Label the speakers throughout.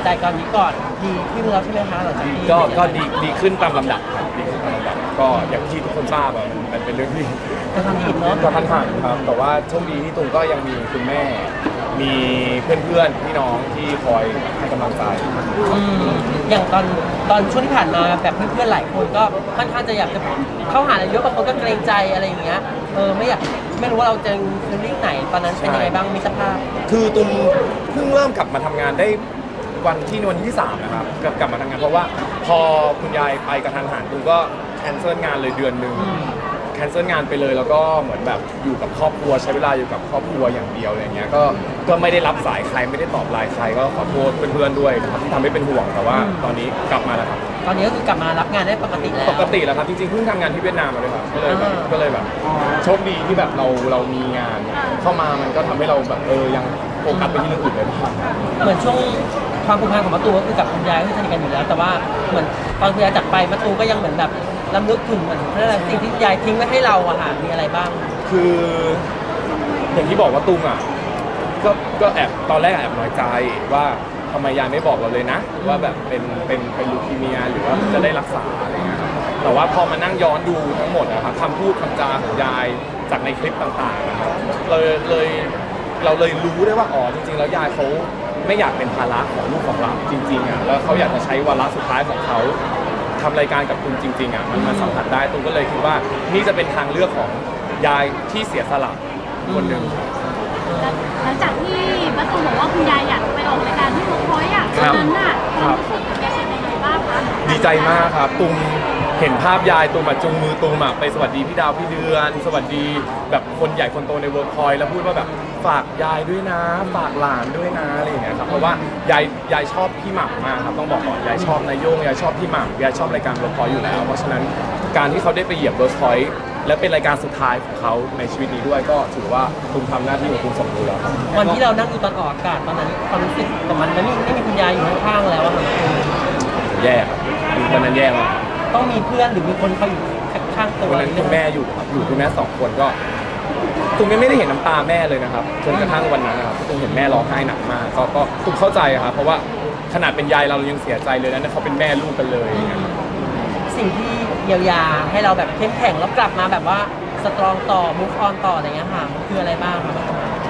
Speaker 1: ใจตอนนี้ก่อนดีขึ้นแล้วใช่ไหมคะหลังจากที่
Speaker 2: ก็ดีขึ้นตามลำดับครับดีขึ้นตามลำดับก็อย่างที่ทุกคนทราบมันเป็นเรื่องที่
Speaker 1: จะทำผิดเนาะ
Speaker 2: กระทันหันครับแต่ว่าโชคดีที่ตุงก็ยังมีคุณแม่มีเพื่อนๆพี่น้องที่คอยให้กำลังใจ
Speaker 1: อย่างตอนช่วงที่ผ่านมาแบบเพื่อนๆหลายคนก็ค่อนข้างจะอยากจะเข้าหาอะไรเยอะบางคนก็เกรงใจอะไรอย่างเงี้ยไม่รู้ว่าเราจะฟีลลิ่งไหนตอนนั้นเป็นยังไงบ้างมีสภาพ
Speaker 2: คือตุงเพิ่งเริ่มกลับมาทำงานได้วันที่3นะครับกลับมาทำงานเพราะว่าพอคุณยายไปกระทันหันตุงก็แคนเซิลงานเลยเดือนนึงแคนเซิลงานไปเลยแล้วก็เหมือนแบบอยู่กับครอบครัวใช้เวลาอยู่กับครอบครัวอย่างเดียวอะไรเงี้ยก็ไม่ได้รับสายใครไม่ได้ตอบไลน์ใครก็ขอโทษเพื่อนๆด้วยนะครับที่ทำให้เป็นห่วงแต่ว่าตอนนี้กลับมาแล้วครับ
Speaker 1: ตอนนี้ก็คือกลับมารับงานได้ปกติแล้ว
Speaker 2: ครับจริงๆเพิ่งทำงานที่เวียดนามมาเลยครับก็เลยแบบโชคดีที่แบบเรามีงานเข้ามามันก็ทำให้เราแบบยังโฟกัสไปที่เรื่องอื่นเลย
Speaker 1: เหมือนช่วงความผูกพันของมะตูก็คือกับคุณยายที่สนิทกันอยู่แล้วแต่ว่าเหมือนตอนคุณยายจากไปมะตูก็ยังเหมือนแบบรำลึกถึงเหมือนสิ่งที่ยายทิ้งไว้ให้เราอะค่ะมีอะไรบ้าง
Speaker 2: คืออย่างที่บอกว่าตุงอ่ะก็แอบตอนแรกแอบน้อยใจว่าทำไมยายไม่บอกเราเลยนะว่าแบบเป็นลูคีเมียหรือว่าจะได้รักษาอะไรเงี้ยครับแต่ว่าพอมานั่งย้อนดูทั้งหมดนะครับคำพูดคำจาของยายจากในคลิปต่างๆนะครับเราเลยรู้ได้ว่าอ๋อจริงๆแล้วยายเขาไม่อยากเป็นภาระของลูกของเราจริงๆอ่ะแล้วเขาอยากจะใช้วาระสุดท้ายของเขาทำรายการกับคุณจริงๆอ่ะมันสัมผัสได้ตุงก็เลยคิดว่านี่จะเป็นทางเลือกของยายที่เสียสละคนหนึ่ง
Speaker 3: หลังจากที่ป้าตูบอกว่าคุณยายอยากไปออกรายการที่เวิร์กพอยต์ตอนนั้นน่ะความรู้สึกแกเป็นยังไงบ้างคะ
Speaker 2: ดีใจมากครับตุงเห็นภาพยายตุงมาจุงมือตุงมาไปสวัสดีพี่ดาวพี่เดือนสวัสดีแบบคนใหญ่คนโตในเวิร์กพอยต์แล้วพูดว่าแบบฝากยายด้วยนะฝากหลานด้วยนะอะไรอย่างเงี้ยครับเพราะว่ายายชอบพี่หม่ำมากครับต้องบอกก่อนยายชอบนายโยงยายชอบพี่หม่ำยายชอบรายการเวิร์กพอยต์อยู่แล้วเพราะฉะนั้นการที่เขาได้ไปเหยียบเวิร์กพอยต์และเป็นรายการสุดท้ายของเขาในชีวิตนี้ด้วยก็ถือว่าตุงทำหน้าที่ของตุงสมบูรณ์แล้วครับ
Speaker 1: วันที่เรานั่งอยู่ตอนออกอากาศตอนนั้นความรู้สึกของมันไม่มีคุณยายอยู่ข้างๆแล้วอะค่ะ
Speaker 2: แย่ครับตอนนั้นแย่มาก
Speaker 1: ต้องมีเพื่อนหรือมีคนเขาอยู่ข้างตัว
Speaker 2: วันนั้นคุณแม่อยู่ครับอยู่คุณแม่2 คนก็ตุงไม่ได้เห็นน้ำตาแม่เลยนะครับจนกระทั่งวันนั้นนะครับตุงเห็นแม่ร้องไห้หนักมากก็ตุงเข้าใจครับเพราะว่าขนาดเป็นยายเรายังเสียใจเลยนะเขาเป็นแม่ลูกกันเลย
Speaker 1: สิ่งที่เยียวยาให้เราแบบเข้มแข็งแล้วกลับมาแบบว่าสตรองต่อ move on ต่ออะไรเงี้ยค่ะมันคืออะไรบ้างครับ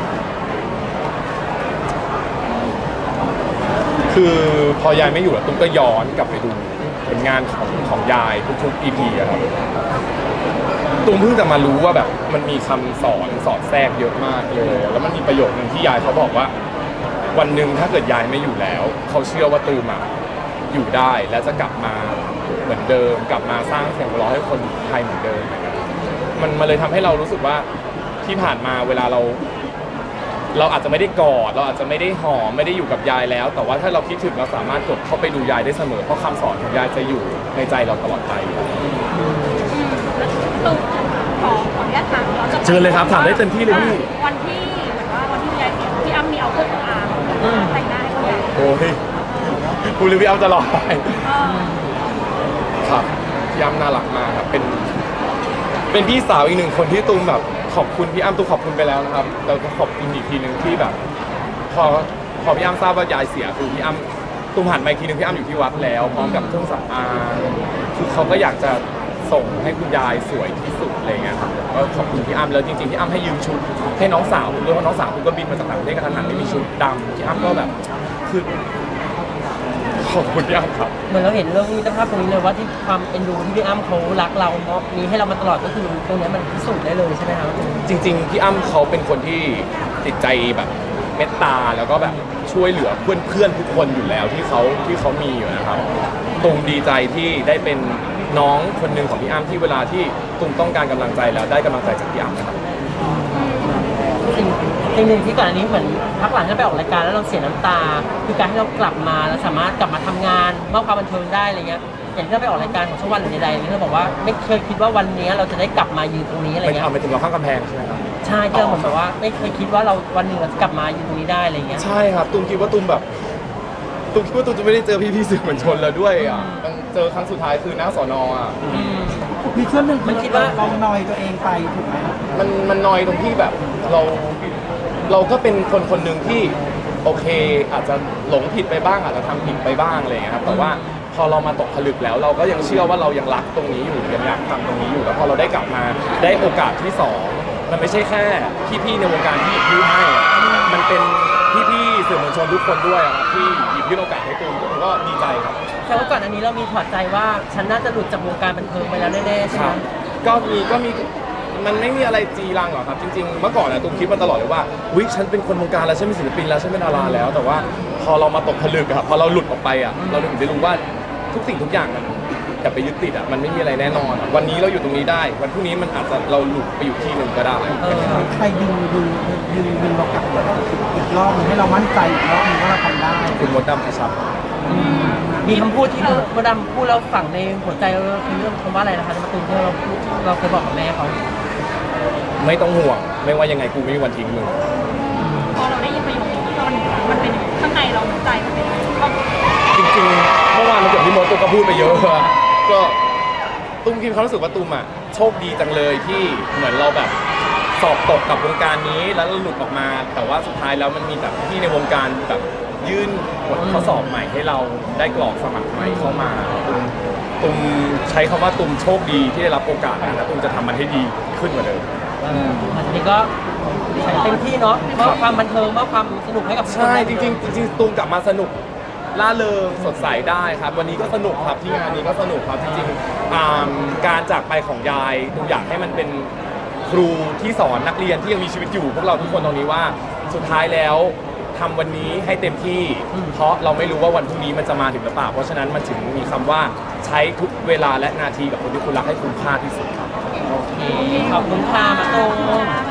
Speaker 2: คือพอยายไม่อยู่แล้วตุ้มก็ย้อนกลับไปดูผลงานของยายทุกๆ EP อะครับตุ้มเพิ่งจะมารู้ว่าแบบมันมีคำสอนสอดแทรกเยอะมากเลยแล้วมันมีประโยคนึงที่ยายเขาบอกว่าวันหนึ่งถ้าเกิดยายไม่อยู่แล้วเขาเชื่อว่าตูมอยู่ได้และจะกลับมาเหมือนเดิมกลับมาสร้างเสียงหัวเราะให้คนไทยเหมือนเดิมมันเลยทำให้เรารู้สึกว่าที่ผ่านมาเวลาเราอาจจะไม่ได้กอดเราอาจจะไม่ได้หอมไม่ได้อยู่กับยายแล้วแต่ว่าถ้าเราคิดถึงเราสามารถกดเข้าไปดูยายได้เสมอเพราะคำสอนของยายจะอยู่ในใจเราตลอดไป
Speaker 3: ตูขออนุญาตถาม
Speaker 2: เชิญเลยครับถามได้เต็มที่เลยพี่
Speaker 3: วันที่เหมือนว่าวันที่ยายเสียพี่อ้ำมีเอาเครื่องสำอางแต่งหน้าให้คุณยาย
Speaker 2: โอ้ยคุณรีวิวเอาจะหลอกไปครับพี่อ้ำน่ารักมากครับเป็นพี่สาวอีก1 คนที่ตูมแบบขอบคุณพี่อ้ำตูมขอบคุณไปแล้วนะครับแล้วก็ขอบคุณอีกทีนึงที่แบบพอพี่อ้ำทราบว่ายายเสียคือพี่อ้ำตูมหันมาอีกทีนึงพี่อ้ำอยู่ที่วัดแล้วพร้อมกับเครื่องสำอางคือเขาก็อยากจะส่งให้คุณยายสวยที่สุดอะไรเงี้ยครับก็ขอบคุณพี่อ้ำแล้วจริงๆพี่อ้ำให้ยืมชุดให้น้องสาวด้วยเพราะน้องสาวคุณก็บินมาจากต่างประเทศกระทันหันไม่มีชุดดำพี่อ้ำก็แบบคือขอบคุณพี่อ้ำครับ
Speaker 1: เหมือนเราเห็นเรื่องมิตรภาพตรงนี้เลยว่าที่ความเอ็นดูที่พี่อ้ำเขารักเราเนาะมีให้เรามาตลอดก็คือตรงนี้มันพิสูจน์ได้เลยใช่ไหมครับ
Speaker 2: จริงๆพี่อ้ำเขาเป็นคนที่จิตใจแบบเมตตาแล้วก็แบบช่วยเหลือเพื่อนๆทุกคนอยู่แล้วที่เขามีอยู่นะครับตุงดีใจที่ได้เป็นน้องคนหนึ่งของพี่อ้ำที่เวลาที่ตุงต้องการกำลังใจแล้วได้กำลังใจจากพี่อ้ำนะครับ
Speaker 1: สิ่งหนึ่งที่ก่อนอันนี้เหมือนพักหลังที่ไปออกรายการแล้วเราเสียน้ำตาคือการที่เรากลับมาแล้วสามารถกลับมาทำงานมอบความบันเทิงได้อะไรเงี้ยอย่างที่เราไปออกรายการของช่องวันหรือใดๆนี่เราบอกว่าไม่เคยคิดว่าวันนี้เราจะได้กลับมายืนตรงนี้อะไรเงี้ย
Speaker 2: ไปถึงเราข้างกำแพงใช่ไหมครับ
Speaker 1: ใช่ที่เราเหมือนแบบว่าไม่เคยคิดว่าเราวันหนึ่งเราจะกลับมายืนตรงนี้ได้อะไรเงี้ย
Speaker 2: ใช่ครับตุ้มคิดว่าตุ้มจะไม่ได้เจอพี่สื่อมวลชนแล้วด้วยอ่ะมันเจอครั้งสุดท้ายคือหน้าสน.อ่ะ
Speaker 4: มีช่วงหนึ่งมันคิดว่าเรานอยตัวเองไปถูกไหม
Speaker 2: มันนอยตรงที่แบบเราก็เป็นคนหนึ่งที่โอเคอาจจะหลงผิดไปบ้างอาจจะทำผิดไปบ้างอะไรอย่างเงี้ยครับแต่ว่าพอเรามาตกผลึกแล้วเราก็ยังเชื่อว่าเรายังรักตรงนี้อยู่ยังอยากทำตรงนี้อยู่แล้วพอเราได้กลับมาได้โอกาสที่สองมันไม่ใช่แค่พี่ๆในวงการที่หยิบยื่นให้อะมันเป็นพี่ๆสื่อมวลชนทุกคนด้วยอะครับที่หยิบยื่นโอกาสให้ตูมผมก็ดีใจครับ
Speaker 1: แต่ว่าก่อนอันนี้เรามีถอดใจว่าฉันน่าจะหลุดจากวงการบันเทิงไปแล้วแน่ๆใช่
Speaker 2: ค
Speaker 1: ไหม
Speaker 2: รับก็มีมันไม่มีอะไรจีรังหรอกครับจริงๆเมื่อก่อนนะตูมคิดมาตลอดเลยว่าวิฉันเป็นคนวงการแล้วฉันเป็นศิลปินแล้วฉันเป็นดาราแล้ว แต่ว่าพอเรามาตกผลึกอะครับพอเราหลุดออกไปอะเราถึงได้รู้ว่าทุกสิ่งทุกอย่างมันอย่าไปยึดติดอะมันไม่มีอะไรแน่นอนอะวันนี้เราอยู่ตรงนี้ได้ วันพรุ่งนี้มันอาจจะเราหลุดไปอยู่ที่หนึ่งก็ได้
Speaker 4: ใครดึงเรากลับมาอีกรอบหนึงให้เรามั่นใจอีกรอบหนึงว่าเราทำได้
Speaker 2: คุณมดดำครับ
Speaker 1: มีคำพูดที่มดดำพูดแล้วฝังในหัวใจเราคือเรื่องคำว่าอะไรนะคะในประตูที่เราพูดเราเคยบอกกับแม่เขา
Speaker 2: ไม่ต้องห่วงไม่ว่ายังไงกูไม่มีวันทิ้งมึง
Speaker 3: พอเราได้ยินประโยคนี้มันเป็นข้างในเราใจมันเป็นยังไงเรา
Speaker 2: จริงๆเมื่อวานมันเกิดที่มดตูมก็พูดไปเยอะอะก็ตุ้มคิดความรู้สึกว่าตุ้มอะโชคดีจังเลยที่เหมือนเราแบบสอบตกกับวงการนี้แล้วเราหลุดออกมา แต่ว่าสุดท้ายแล้วมันมีแบบพี่ในวงการแบบยื่นบทข้อสอบใหม่ให้เราได้กรอกสมัครใหม่เข้ามาตุ้มใช้คำว่าตุ้มโชคดีที่ได้รับโอกาสนั้นและตุ้มจะทำมันให้ดีขึ้นกว่าเดิม
Speaker 1: อันนี้ก็เต็มที่เนาะมอบความบันเทิงมอบความสนุกให้กับทุกคน
Speaker 2: ใช่จริงๆจริงๆตูมกลับมาสนุกล่าเริงสดใสได้ครับ วันนี้ก็สนุกครับที่งานนี้ก็สนุกครับจริงๆการจากไปของยายตูมอยากให้มันเป็นครูที่สอนนักเรียนที่ยังมีชีวิตอยู่พวกเราทุกคนตรงนี้ว่าสุดท้ายแล้วทำวันนี้ให้เต็มที่ เพราะเราไม่รู้ว่าวันพรุ่งนี้มันจะมาถึงหรือเปล่าเพราะฉะนั้นมันถึงมีคำว่าใช้ทุกเวลาและนาทีกับคนที่คุณรักให้คุ้มค่าที่สุดครับ
Speaker 1: โอเคขอบคุณค่ะมาตูม